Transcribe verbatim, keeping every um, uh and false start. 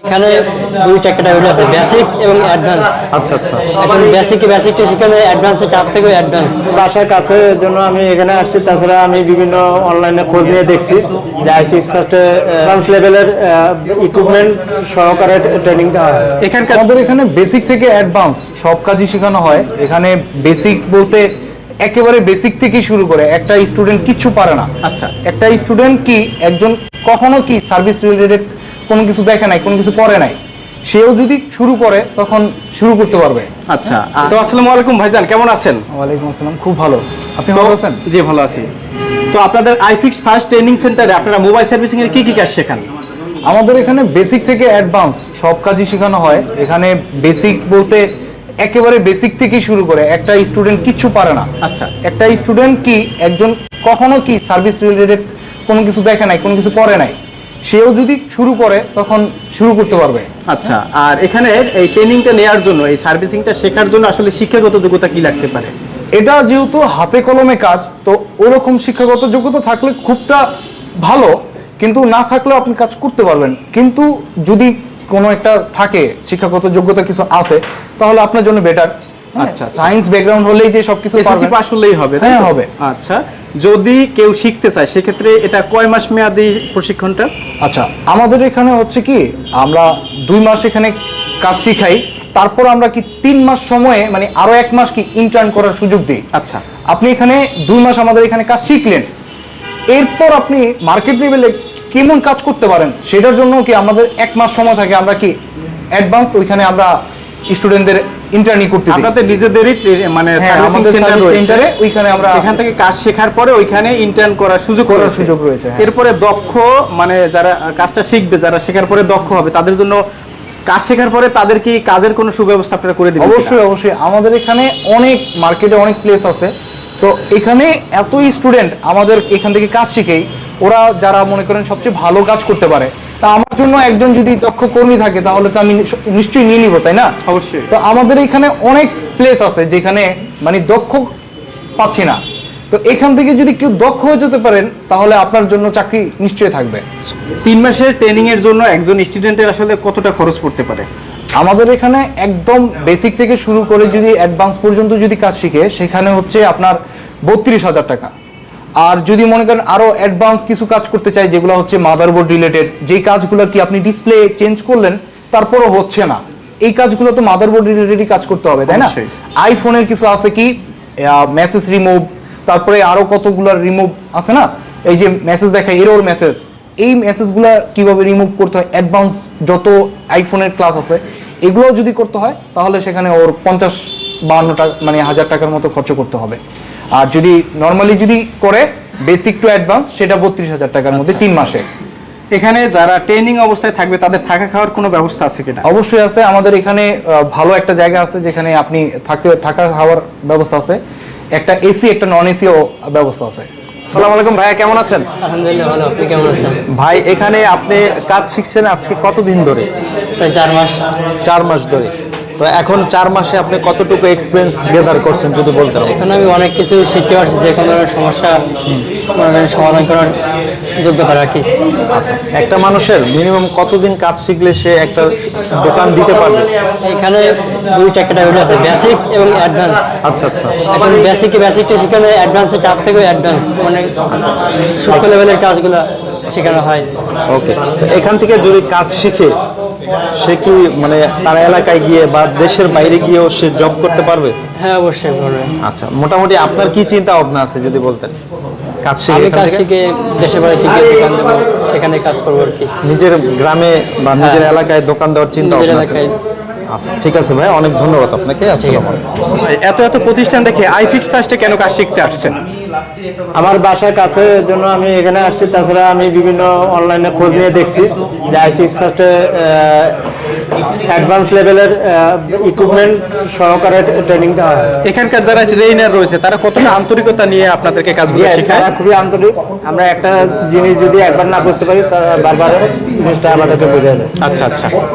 এখানে দুইটা ক্যাটাগরি আছে, বেসিক এবং অ্যাডভান্স। আচ্ছা আচ্ছা। এখন বেসিক বেসিকটা সেখানে অ্যাডভান্সে চার থেকে অ্যাডভান্স। বাসার কাছে জন্য আমি এখানে আসছি। তাছাড়া আমি বিভিন্ন অনলাইনে খোঁজ নিয়ে দেখছি যে আইফিক্স ফার্স্টে অ্যাডভান্স লেভেলের ইকুইপমেন্ট সহকারে ট্রেনিংটা হয়। এখানকার আমাদের এখানে বেসিক থেকে অ্যাডভান্স সব কাজই শেখানো হয়। এখানে বেসিক বলতে একেবারে বেসিক থেকে শুরু করে একটা স্টুডেন্ট কিচ্ছু পারে না। আচ্ছা, একটা স্টুডেন্ট কি একজন কখনো কি সার্ভিস রিলেটেড কোনো কিছু দেখে নাই, কোনো কিছু করে নাই, সেও যদি শুরু করে তখন শুরু করতে পারবে। আচ্ছা। তো আসসালামু আলাইকুম ভাইজান, কেমন আছেন? ওয়ালাইকুম আসসালাম, খুব ভালো। আপনি ভালো আছেন? জি ভালো আছি। তো আপনাদের আইফিক্স ফার্স্ট ট্রেনিং সেন্টারে আপনারা মোবাইল সার্ভিসিং এর কি কি কাজ শেখান? আমাদের এখানে বেসিক থেকে অ্যাডভান্স সব কাজই শেখানো হয়। এখানে বেসিক বলতে একেবারে বেসিক থেকে শুরু করে একটা স্টুডেন্ট কিচ্ছু পারে না। আচ্ছা, একটা স্টুডেন্ট কি একজন কখনো কি সার্ভিস রিলেটেড কোনো কিছু দেখে নাই, কোনো কিছু করে নাই, সেও যদি শুরু করে তখন শুরু করতে পারবে। আচ্ছা। আর এখানে এই ট্রেনিংটা নেওয়ার জন্য, এই সার্ভিসিংটা শেখার জন্য আসলে শিক্ষাগত যোগ্যতা কি লাগতে পারে? এটা যেহেতু হাতে কলমে কাজ, তো ওরকম শিক্ষাগত যোগ্যতা থাকলে খুবটা ভালো, কিন্তু না থাকলেও আপনি কাজ করতে পারবেন। কিন্তু যদি কোনো একটা থাকে শিক্ষাগত যোগ্যতা কিছু আছে, তাহলে আপনার জন্য বেটার। আচ্ছা, সায়েন্স ব্যাকগ্রাউন্ড হলেই যে সবকিছু এসএসসি পাস হলেই হবে? হ্যাঁ হবে। আচ্ছা, যদি কেউ শিখতে চায় সেক্ষেত্রে এটা কয় মাস মেয়াদি প্রশিক্ষণটা? আচ্ছা, আমাদের এখানে হচ্ছে কি আমরা দুই মাস এখানে কাজ শিখাই, তারপর আমরা কি তিন মাস সময়ে মানে আরো এক মাস কি ইন্টার্ন করার সুযোগ দিই। আচ্ছা, আপনি এখানে দুই মাস আমাদের এখানে কাজ শিখলেন, এরপর আপনি মার্কেট লেভেলে কেমন কাজ করতে পারেন সেটার জন্য কি আমাদের এক মাস সময় থাকে, আমরা কি অ্যাডভান্স ওইখানে আমরা স্টুডেন্টদের ইন্টার্নি করতে দিই। আপনাদের নিজেদেরই মানে সার্ভিসিং সেন্টার সেন্টারে ওইখানে আমরা এখান থেকে কাজ শেখার পরে ওইখানে ইন্টার্ন করার সুযোগ করার সুযোগ রয়েছে। এরপরে দক্ষ মানে যারা কাজটা শিখবে, যারা শেখার পরে দক্ষ হবে, তাদের জন্য কাজ শেখার পরে তাদের কি কাজের কোনো সুব্যবস্থা আপনারা করে দিবেন? অবশ্যই অবশ্যই। আমাদের এখানে অনেক মার্কেটে অনেক প্লেস আছে, তো এখানে এত স্টুডেন্ট আমাদের এখান থেকে কাজ শিখেই ওরা যারা মনে করেন সবচেয়ে ভালো কাজ করতে পারে, তা আমার জন্য একজন যদি দক্ষ কর্মী থাকে তাহলে তো আমি নিশ্চয়ই নিয়ে নিব, তাই না? অবশ্যই। তো আমাদের এখানে অনেক প্লেস আছে যেখানে মানে দক্ষ পাচ্ছি না, তো এখান থেকে যদি কেউ দক্ষ হয়ে যেতে পারেন তাহলে আপনার জন্য চাকরি নিশ্চয়ই থাকবে। তিন মাসের ট্রেনিং এর জন্য একজন স্টুডেন্টের আসলে কতটা খরচ পড়তে পারে? আমাদের এখানে একদম বেসিক থেকে শুরু করে যদি অ্যাডভান্স পর্যন্ত যদি কাজ শিখে সেখানে হচ্ছে আপনার বত্রিশ হাজার টাকা। আর যদি মনে করেন আরো অ্যাডভান্স কিছু কাজ করতে চাই যেগুলো হচ্ছে মাদারবোর্ড রিলেটেড, যেই কাজগুলো কি আপনি ডিসপ্লে চেঞ্জ করলেন তারপরও হচ্ছে না, এই কাজগুলো তো মাদারবোর্ড রিলেটেডই কাজ করতে হবে, তাই না? আইফোনের কিছু আছে কি মেসেজ রিমুভ, তারপরে আরো কতগুলো রিমুভ আছে না, এই যে মেসেজ দেখায় এরর মেসেজ, এই মেসেজগুলো কিভাবে রিমুভ করতে হয়, অ্যাডভান্স যত আইফোনের ক্লাস আছে এগুলো যদি করতে হয় তাহলে সেখানে ওর পঞ্চাশ বাহান্ন টাকা মানে হাজার টাকার মতো খরচ করতে হবে। আর যদি নর্মালি যদি করে বেসিক টু অ্যাডভান্স সেটা বত্রিশ হাজার টাকার মধ্যে তিন মাসে। এখানে যারা ট্রেনিং অবস্থায় থাকবে তাদের থাকা খাওয়ার কোনো ব্যবস্থা আছে কিনা? অবশ্যই আছে। আমাদের এখানে ভালো একটা জায়গা আছে যেখানে আপনি থাকতে থাকা খাওয়ার ব্যবস্থা আছে, একটা এসি একটা নন এসিও ব্যবস্থা আছে। আসসালামু আলাইকুম ভাইয়া, কেমন আছেন? আলহামদুলিল্লাহ ভালো, আপনি কেমন আছেন? ভাই এখানে আপনি কাজ শিখছেন আজকে কতদিন ধরে? প্রায় চার মাস। চার মাস ধরে। তো এখন চার মাসে আপনি কতটুকু এক্সপিরিয়েন্স গেদার করছেন যদি বলতেন? এখন আমি অনেক কিছু শিখতে পারছি, যে কোনো সমস্যা মনে করেন সমাধান করার যোগ্যতা রাখি। আচ্ছা, একটা মানুষের মিনিমাম কতদিন কাজ শিখলে সে একটা দোকান দিতে পারবে? এখানে দুইটা ক্যাটাগরি আছে, বেসিক এবং অ্যাডভান্স। আচ্ছা আচ্ছা। এখন বেসিক বেসিকটা সেখানে অ্যাডভান্সে চার থেকে অ্যাডভান্স মানে সূক্ষ্ম লেভেলের কাজগুলো শেখানো হয়। ওকে, তো এখান থেকে যদি কাজ শিখে সে কি মানে তার এলাকায় গিয়ে বা দেশের বাইরে গিয়েও সে জব করতে পারবে? হ্যাঁ অবশ্যই পারবে। আচ্ছা, মোটামুটি আপনার কি চিন্তা ভাবনা আছে যদি বলতেন? কাজ শিখে আমি কাজ শিখে দেশের বাইরে থেকে দোকান দেবো, সেখানে কাজ করবো আর কি। নিজের গ্রামে বা নিজের এলাকায় দোকান দেওয়ার চিন্তা ভাবনা আছে? আচ্ছা ঠিক আছে ভাই, অনেক ধন্যবাদ আপনাকে। আসসালামু আলাইকুম। এত এত প্রতিষ্ঠান দেখে আইফিক্স ফার্স্টে কেন কাজ শিখতে আসছেন? আমার বাসার কাছে জন্য আমি এখানে আসছি। তাছাড়া আমি বিভিন্ন অনলাইনে খোঁজ নিয়ে দেখছি যে আইফিক্স ফার্স্টে অ্যাডভান্স লেভেলের ইকুইপমেন্ট সহকারে ট্রেনিংটা হয়। এখানকার যারা ট্রেনার রয়েছে তারা কতটা আন্তরিকতা নিয়ে আপনাদেরকে কাজগুলো শেখায়? তারা খুবই আন্তরিক। আমরা একটা জিনিস যদি একবার না বুঝতে পারি তারা বারবার জিনিসটা আমাদেরকে বোঝায়। আচ্ছা আচ্ছা।